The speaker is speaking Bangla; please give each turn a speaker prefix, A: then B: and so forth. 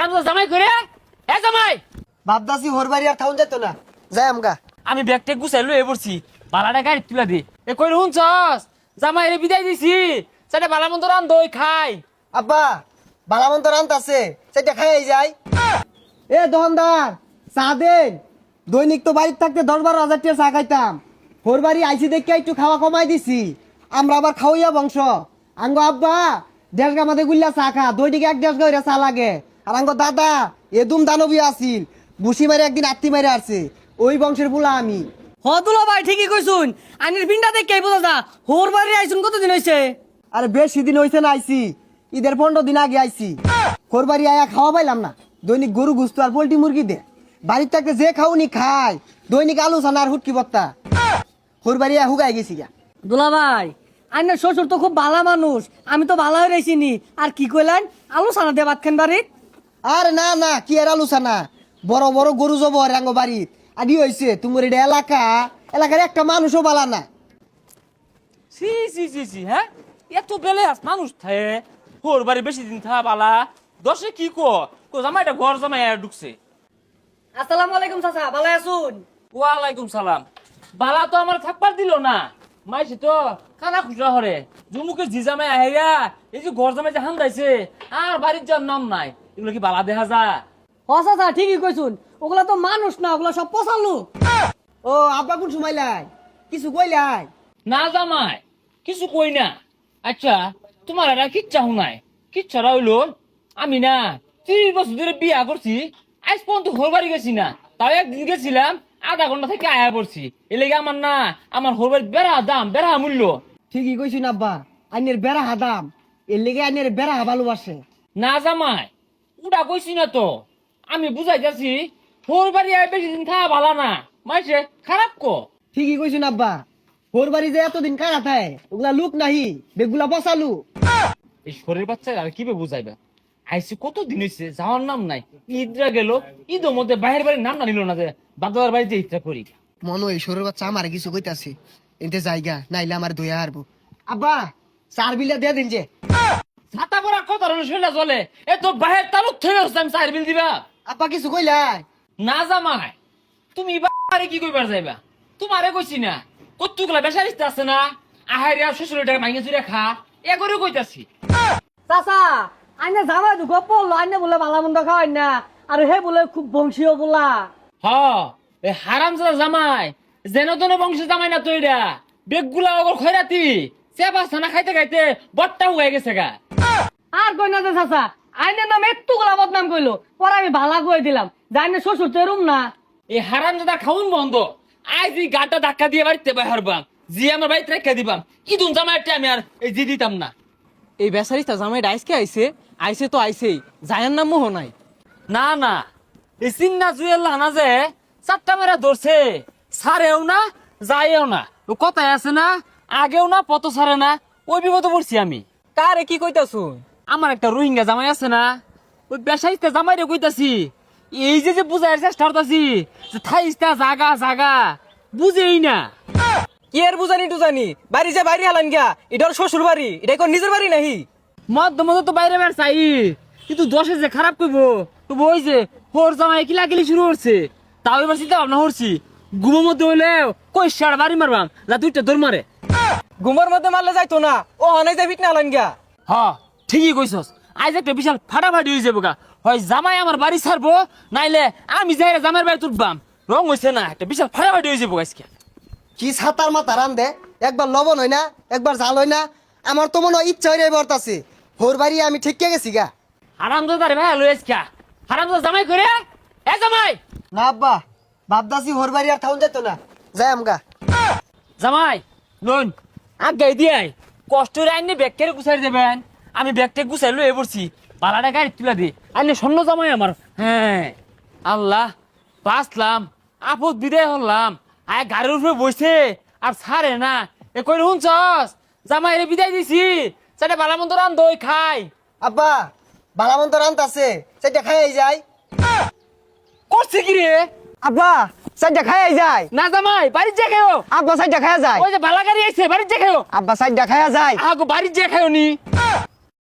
A: হারামজাদা জামাই করে এ জামাই
B: বাপদাসি হোর বাড়ি আর থাউন যেত না যাই আমগা।
A: আমি ব্যাগটা গুছাই লয়ে পড়ছি বালাটা গাড়ি তুলা দে এ কই শুনছস জামাই রে বিদায় দিছি সেটা বালা মন্দ রান দই খাই
B: আব্বা বালামন্ত রান্ত আছে সেটা খাই যাই। এ দোকানদার চা দেন। দৈনিক তো বাড়িতে থাকতে 10-12 হাজার টাকা চা খাইতাম। হোর বাড়ি আইসি দেখে একটু খাওয়া কমাই দিছি। আমরা আবার খাওয়াইয়া বংশ। আঙ্গো আব্বা 1.5 গা মাঝে গুল্লা চা খা, দৈনিক 1-1.5 গা চা লাগে। আর আঙ্গো দাদা এদুম দানবী আছিল, বুসি মারে একদিন আত্মি মারে আসছে। ওই বংশের বুলা আমি।
C: হদুলা ভাই ঠিকই কইছুন, আইনের পিন্ডা দেখে বোঝা যা হোর বাড়ি আইছুন কতদিন হইছে?
B: আরে বেশি দিন হইছে না আইছি, ঈদের 15 দিন আগে আইছি। হোর বাড়ি আয়া খাওয়া পাইলাম না। দৈনিক গরু গুস্ত আর পোল্ট্রি মুরগি দে। বাড়ির থাকতে যে খাওনি খায়, দৈনিক আলু ছানা আর হুটকি বত্তা। হোর বাড়ি আয়া হুগাই গেছি গা।
C: দুলা ভাই আইনের শ্বশুর তো খুব ভালো মানুষ, আমি তো ভালো হয়ে রইছিনি। আর কি কইলেন আলু সানা দিয়ে ভাত খান বাড়িত?
B: আরে না না, কি আর আলু ছানা, বড় বড় গরু জবর আঙ্গ বাড়িত। আদি হইছে তোমার এটা এলাকার একটা মানুষও বালা না।
A: সি সি সি সি হ্যাঁ এত বেলে আস মানুষ থাকে হোর বাড়ি বেশি দিন থা বালা দশে কি কো জামাইটা ঘর জামাই ঢুকছে।
C: আসসালামু আলাইকুম চাচা, ভালো আছুন?
A: ওয়ালাইকুম সালাম। বালা তো আমার থাকবার দিল না, মাইছে তো খানা খুচরা হরে জুমুকে জি জামাই আহেরা এই যে ঘর জামাই যে হান্দাইছে আর বাড়ির যার নাম নাই, এগুলো কি বালা দেখা যা?
C: হ চাচা ঠিকই কইছুন, ওগুলা তো মানুষ না, ওগুলা সব পচালু।
B: ও আব্বা কোন সময় লাই কিছু কইলাই?
A: না জামাই কিছু কই না। আচ্ছা তোমার এটা কিচ্ছা শুনাই, কিচ্ছাটা হইলো আমি না 30 বছর ধরে বিয়া করছি, আজ পর্যন্ত ঘর বাড়ি গেছি না। তাও একদিন গেছিলাম, আধা ঘন্টা থেকে আয়া পড়ছি। এর লেগে আমার না আমার ঘর বাড়ির বেড়া দাম বেড়া মূল্য।
B: ঠিকই কইছুন আব্বা, আইনের বেড়া হাদাম, এর লেগে আইনের বেড়া ভালোবাসে।
A: না জামাই ওটা কইছি না তো, আমি বুঝাই যাচ্ছি ঘর বাড়ি আয় বেশি দিন থাকা ভালো না, মাইছে খারাপ কো।
B: ঠিকই কইছুন আব্বা, হোর বাড়ি যে এতদিন কারা থায় ওগুলা লুক নাহি, বেগুলা বসালু।
A: এই শরীর বাচ্চা আর কি বুঝাইবা, আইসি কত দিন হয়েছে যাওয়ার নাম নাই। ঈদরা গেল, ঈদের মধ্যে বাইরের বাড়ির নাম না নিল না, যে বাদার বাড়িতে ঈদটা করি।
B: মনে হয় শরীর বাচ্চা আমার কিছু কইতাছে, এতে জায়গা নাইলে আমার ধুয়া হারবো। আব্বা 4 বিলা দিয়ে দিন যে।
A: ছাতা পরা কত শরীরটা চলে, এ তো বাহের তালুক থেকে হচ্ছে আমি 4 বিল দিবা।
B: আব্বা কিছু কইলাই?
A: না জামাই তুমি বাড়ি কি কইবার যাইবা, তোমারে কইছি না কতগুলা বেসারিস্তা আছে না, আহারিয়া শ্বশুরের টাকা মাইনে চুরে খা এ করে কইতাছি।
C: চাচা আইনে জামাই দুঃখ পড়লো, আইনে বলে ভালো মন্দ খাওয়াই না, আর হে বলে খুব বংশীয় বলা।
A: হ এ হারামজাদা জামাই যেন তেন বংশ জামাই না তো, এটা বেগগুলা ওগর খয়রাতি চেপা ছানা খাইতে খাইতে বট্টা হয়ে গেছে গা।
C: আর কই না যে চাচা আইনের নাম একটু গোলা বদনাম কইলো, পরে আমি ভালা কই দিলাম জাইনে শ্বশুর তো এরম না।
A: এই হারামজাদা খাউন বন্ধ, আজ এই গাটা ধাক্কা দিয়ে বাড়িতে বাইরবাম, জি আমার বাড়িতে রেখে দিবাম। ইদুন জামাইটা আমি আর এই জি দিতাম না।
D: এই বেচারিটা জামাই আইসকে আইছে আইছে তো আইছেই, জায়ার নাম মোহ নাই।
A: না না এই চিন্না জুয়েল না যে 4টা মেরা ধরছে, সারেও না যায়ও না, ও কথায় আছে না আগেও না পত সারে না, ওই বিপদে পড়ছি আমি।
D: কারে কি কইতাছু?
A: আমার একটা রোহিঙ্গা জামাই আছে না, ওই বেসাইতে জামাই রে কইতাছি এই যে বুঝাইয়ের চেষ্টা করতাছি যে থাইস্তা জাগা জাগা বুঝেই না।
D: কি আর বুঝানি টুজানি, বাড়ি যে বাইরে হালান গিয়া, এটা ওর শ্বশুর বাড়ি, এটা কোন নিজের বাড়ি নাহি।
A: মধ্যে মধ্যে তো বাইরে বের চাই, কিন্তু দশে যে খারাপ করবো তো ওই যে হোর জামাই কিলাকিলি শুরু করছে, তাও এবার চিন্তা ভাবনা করছি ঘুমের মধ্যে হইলে কই সার বাড়ি মারবাম না 2টা দৌড় মারে।
D: ঘুমের মধ্যে মারলে যাইতো না, ও হনাই যাই ফিট না হালান গিয়া।
A: হ ঠিকই কইছস, আজ একটা বিশাল ফাটাফাটি হয়ে যাবো গা, হয় জামাই আমার বাড়ি ছাড়বো নাইলে আমি যাই জামাইয়ের বাড়ি তুলবাম। রং হয়েছে না, একটা বিশাল ফাটাফাটি হয়ে যাবো আজকে।
B: কি ছাতার মাথা রান দে, একবার লবণ হয় না একবার জাল হয় না। আমার তো মনে হয় ইচ্ছা হয়ে বর্তাছে, হোর বাড়ি আমি ঠিক গেছি গা।
A: হারামজাদা রে ভাই লই আজকে, হারামজাদা জামাই করে এ জামাই।
B: না আব্বা বাপদাসি হোর বাড়ি আর থাউন যেত না, যাই আমগা।
A: জামাই লোন আগাই দিয়ে কষ্ট রে আইনে ব্যাগ কেড়ে গুছাই দেবেন, আমি ব্যাগটা গুছাই লয়ে পড়ছি, পালাটা গাড়ি তুলা দে আইনে স্বর্ণ জামাই আমার। হ্যাঁ আল্লাহ বাঁচলাম, আপদ বিদায় হলাম। আয় গাড়ির উপরে বসে আর ছাড়ে না, এ কই শুনছস জামাই রে বিদায় দিছি, সেটা বালা মন্দ রান দই খাই।
B: আব্বা বালামন্ত রান্ত আছে সেটা খাই যায়।
A: করছে কি রে?
B: আব্বা সাইডটা খাই যায়।
A: না জামাই বাড়ি যে খাও।
B: আব্বা সাইডটা খায়া যায়।
A: ওই যে বালা গাড়ি আইছে বাড়ি যে খাও।
B: আব্বা সাইডটা খায়া যায়।
A: আগো বাড়ি যে খাও নি।